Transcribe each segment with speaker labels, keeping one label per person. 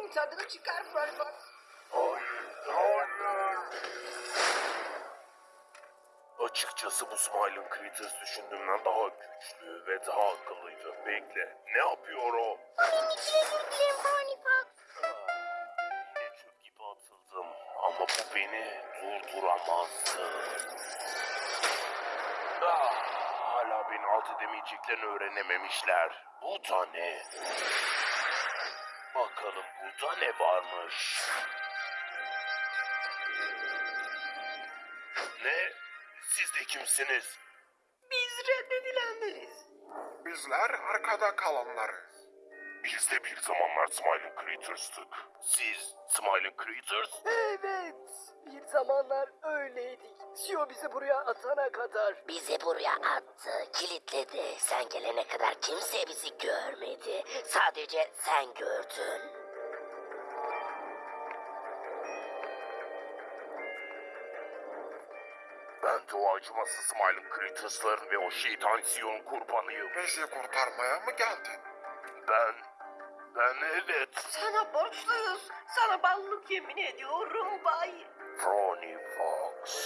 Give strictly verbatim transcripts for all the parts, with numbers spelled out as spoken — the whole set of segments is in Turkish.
Speaker 1: Bunun tadını çıkar Furfur.
Speaker 2: Hayır, hayır. Açıkçası bu Smiling Critters düşündüğümden daha güçlü ve daha akıllıydı. Bekle, ne yapıyor o?
Speaker 3: Onun için özür dilerim Pony Fox.
Speaker 2: Yine çöp gibi atıldım ama bu beni durduramazdı. Ah, hala beni alt edemeyeceklerini öğrenememişler. Bu da ne? Bakalım burada ne varmış? Ne? Siz de kimsiniz?
Speaker 1: Biz reddedilendiriz.
Speaker 4: Bizler arkada kalanlarız.
Speaker 2: Biz de bir zamanlar Smiling Critters'tık. Siz Smiling Critters?
Speaker 1: Evet. Bir zamanlar öyleydik. Sio bizi buraya atana kadar.
Speaker 3: Bizi buraya attı, kilitledi. Sen gelene kadar kimse bizi görmedi. Sadece sen gördün.
Speaker 2: Ben de o acımasız Smiling Critters'ların ve o şeytan Sion'un kurbanıyım.
Speaker 4: Bizi kurtarmaya mı geldin?
Speaker 2: Ben... Ben evet.
Speaker 1: Sana borçluyuz. Sana ballık yemin ediyorum bay.
Speaker 2: Ronnie Fox.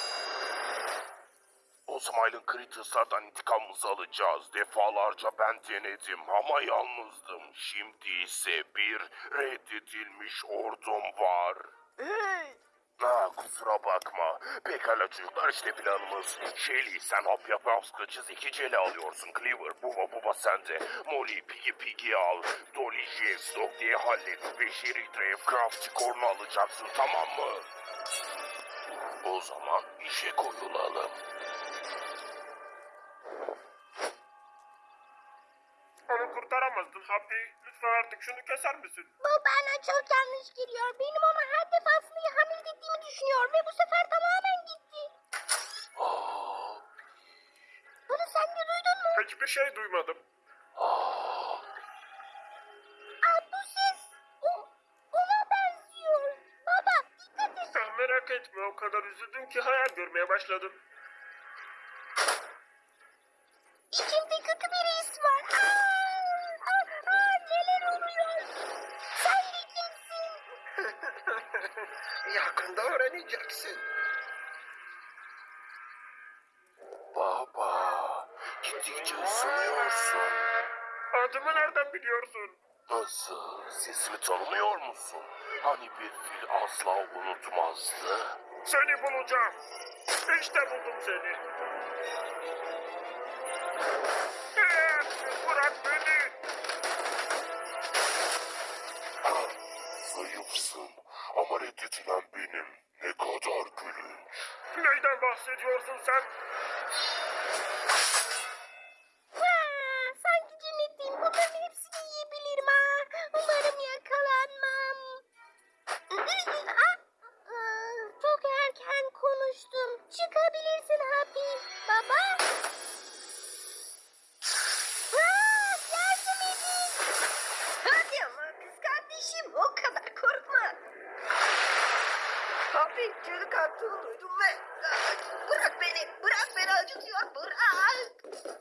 Speaker 2: O Smiling Critters'lardan intikamımızı alacağız. Defalarca ben denedim ama yalnızdım. Şimdi ise bir reddedilmiş ordum var.
Speaker 1: Hey.
Speaker 2: Ha, kusura bakma. Pekala çocuklar, işte planımız. Shelly sen hap yap kaçı zekiceli alıyorsun. Cleaver, Buba Buba sende. Molly, Piggy Piggy al. Dolly, Jess, Dog diye hallet. Ve Sherry, Drave, Crafty Corn'u alacaksın, tamam mı? O zaman işe koyulalım.
Speaker 4: Onu kurtaramazdın Happy. Lütfen artık şunu keser misin?
Speaker 3: Bu bana çok yanlış geliyor. Benim ona her defasında hamile ettiğimi düşünüyor ve bu sefer tamamen gitti. Bunu sen de duydun mu?
Speaker 4: Hiçbir şey duymadım.
Speaker 3: Aa, bu ses o, ona benziyor. Baba dikkat et.
Speaker 4: Sen merak etme, o kadar üzüldüm ki hayal görmeye başladım.
Speaker 3: İçimde kötü bir his var. Aa, aa, aa, neler oluyor? Sen de kimsin?
Speaker 4: Yakında öğreneceksin.
Speaker 2: Baba, gittikçe ısınıyorsun.
Speaker 4: Adımı nereden biliyorsun?
Speaker 2: Nasıl? Sesimi tanımıyor musun? Hani bir fil asla unutmazdı?
Speaker 4: Seni bulacağım. İşte buldum seni. Ee, Bırak beni.
Speaker 2: Ah, zayıfsın ama reddedilen benim. Ne kadar gülünç.
Speaker 4: Neyden bahsediyorsun sen?
Speaker 3: Ha, sanki cennetteyim. Bunların hepsini yiyebilirim ha. Umarım yakalanmam. Ah, ah, çok erken konuştum. Çıkabilirsin Happy. Baba. Ah, yardım edin.
Speaker 1: Hadi ama kız kardeşim, o kadar korkma. Abi çığlık attığını duydum ve Aa, bırak beni, bırak beni, acıtıyor, bırak.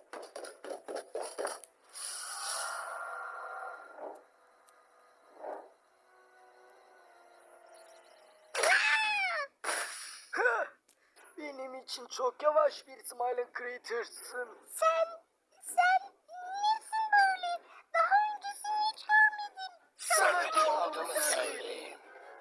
Speaker 1: Hıh! Benim için çok yavaş bir Smiling Critters'ın.
Speaker 3: Sen, sen nesin böyle? Daha öncesini hiç görmedim.
Speaker 1: Sana kim olduğunu söyleyeyim.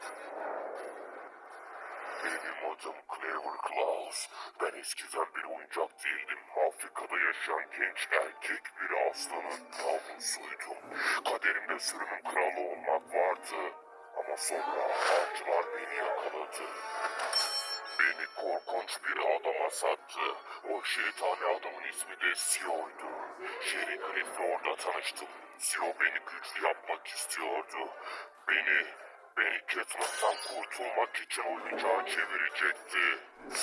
Speaker 2: Benim adım Clever Claus. Ben eskiden bir oyuncak değildim. Afrika'da yaşayan genç erkek bir aslanın yavrusuydum. Kaderimde sürünün kralı olmak vardı. Ama sonra avcılar beni yakaladı. Beni korkunç bir adama sattı. O şeytani adamın ismi de Sio'ydu. Sherry Cliff'le orada tanıştım. Sio beni güçlü yapmak istiyordu. Beni, beni Catnap'tan kurtulmak için oyuncağa çevirecekti.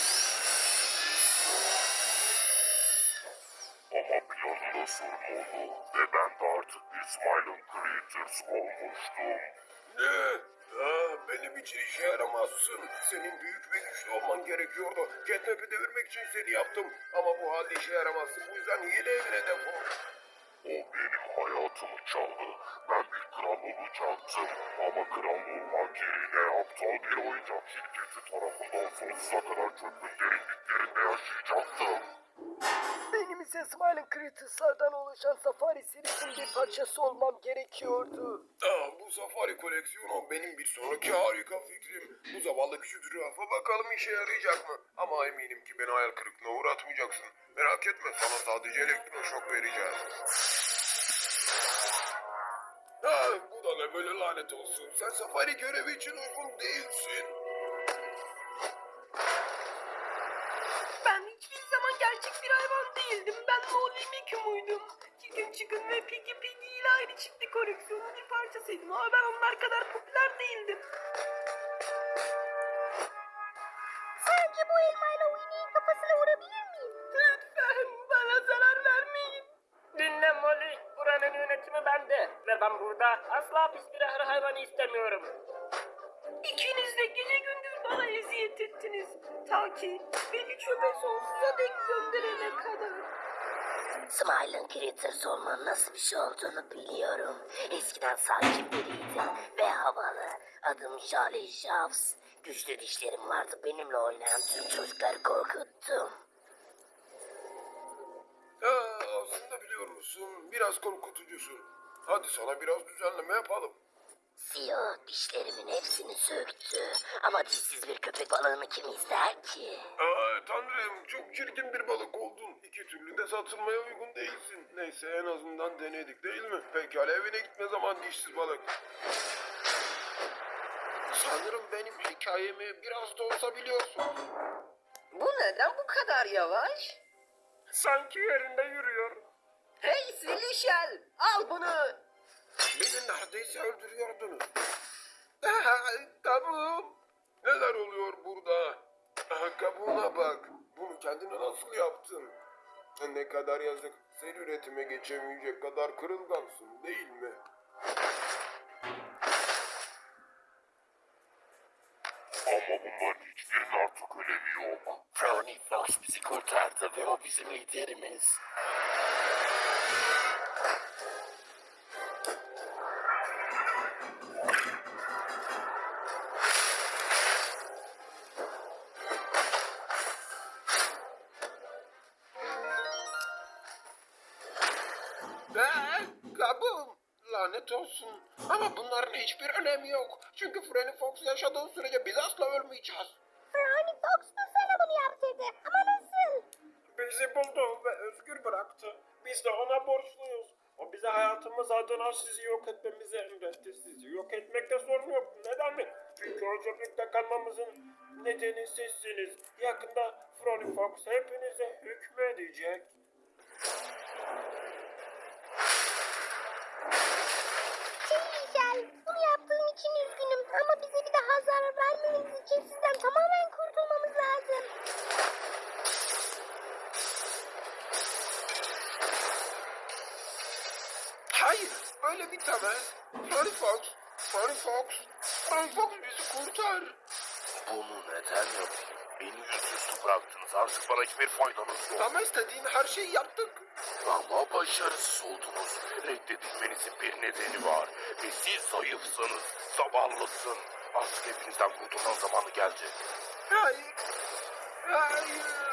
Speaker 2: Ama planında sorun oldu ve ben de artık bir Smiling Critters olmuştum.
Speaker 4: Ne? Aa, benim için işe yaramazsın. Senin büyük ve güçlü olman gerekiyordu. Catnap'i devirmek için seni yaptım. Ama bu halde işe yaramazsın. Bu yüzden yeni evine defol.
Speaker 2: O benim hayatımı çaldı. Ben bir kral olacaktım. Ama kral olmak yerine aptal bir oyuncak şirketi tarafından sonsuza kadar çöpün derinliklerinde yaşayacaktım.
Speaker 1: Benim ise Smiling Creatures'lardan oluşan Safari serisinin bir parçası olmam gerekiyordu.
Speaker 4: Aa, bu safari koleksiyonu benim bir sonraki harika fikrim. Bu zavallı küçük zürafa bakalım işe yarayacak mı? Ama eminim ki beni hayal kırıklığına uğratmayacaksın. Merak etme, sana sadece elektroşok vereceğiz. Ha, bu da ne böyle, lanet olsun. Sen safari görevi için uygun değilsin.
Speaker 1: Ben hiçbir zaman gerçek bir hayvan değildim. Ben Molly Mickey'muydum. Chicken Chicken ve Piggy Piggy ile aynı çiftlik koleksiyonunun bir parçasıydım. Ama ben onlar kadar popüler değildim.
Speaker 3: Sence bu elmayla Winnie'nin kafasına vurabilir miyim?
Speaker 1: Lütfen bana zarar vermeyin.
Speaker 5: Dinle Molly, buranın yönetimi bende ve ben burada asla pis bir ahır hayvanı istemiyorum.
Speaker 1: İkiniz de gece gündüz bana eziyet ettiniz. Ta ki beni çöpe sonsuza dek gönderene kadar.
Speaker 3: Smiling Critters olmanın nasıl bir şey olduğunu biliyorum. Eskiden sakin biriydim ve havalı. Adım Charlie Shavs. Güçlü dişlerim vardı. Benimle oynayan tüm çocukları korkuttum.
Speaker 4: Ha, aslında biliyor musun, biraz korkutucusun. Hadi sana biraz düzenleme yapalım.
Speaker 3: Siyah dişlerimin hepsini söktü. Ama dişsiz bir köpek balığını kim ister ki?
Speaker 4: Aa, tanrım, çok çirkin bir balık oldun. İki türlü de satılmaya uygun değilsin. Neyse, en azından denedik değil mi? Pekala, evine gitme zaman dişsiz balık. Sanırım benim hikayemi biraz da olsa biliyorsun.
Speaker 1: Bu neden bu kadar yavaş?
Speaker 5: Sanki yerinde yürüyor.
Speaker 1: Hey Silişel, al bunu.
Speaker 4: Beni neredeyse öldürüyordunuz. Aha, kabuğum. Neler oluyor burada? Aha, kabuğuna bak. Bunu kendine nasıl yaptın? Ne kadar yazık. Sen üretime geçemeyecek kadar kırılgansın değil mi?
Speaker 2: Ama bunların hiçbirinin artık önemi yok. Frowny Fox bizi kurtardı ve o bizim liderimiz.
Speaker 4: Aa, kabuğum. Lanet olsun. Ama bunların hiçbir önemi yok. Çünkü Freddy Fox yaşadığı sürece biz asla ölmeyeceğiz.
Speaker 3: Brownie Fox mu sana bunu yaptırdı? Ama nasıl?
Speaker 5: Bizi buldu ve özgür bıraktı. Biz de ona borçluyuz. O bize hayatımız adına sizi yok etmemizi emretti. Sizi yok etmekte sorun yok. Neden mi? Çünkü o çöplükte kalmamızın nedeni sizsiniz. Yakında Frony Fox hepinize hükmedecek.
Speaker 3: Çiğ bunu yaptığım için üzgünüm. Ama bize bir daha zarar vermeniz için sizden tamamen kurtulmamız lazım.
Speaker 4: Hayır, böyle bitemez. Freddy Fox, Freddy Fox, Freddy Fox bizi kurtar.
Speaker 2: Bunu neden yapayım? Beni yüzüstü bıraktınız. Artık bana hiçbir faydanız yok.
Speaker 4: Ama istediğin her şeyi yaptık.
Speaker 2: Ama başarısız oldunuz. Reddedilmenizin bir nedeni var. Ve siz zayıfsınız, zavallısın. Artık hepinizden kurtulmanın zamanı geldi.
Speaker 4: Hayır, hayır.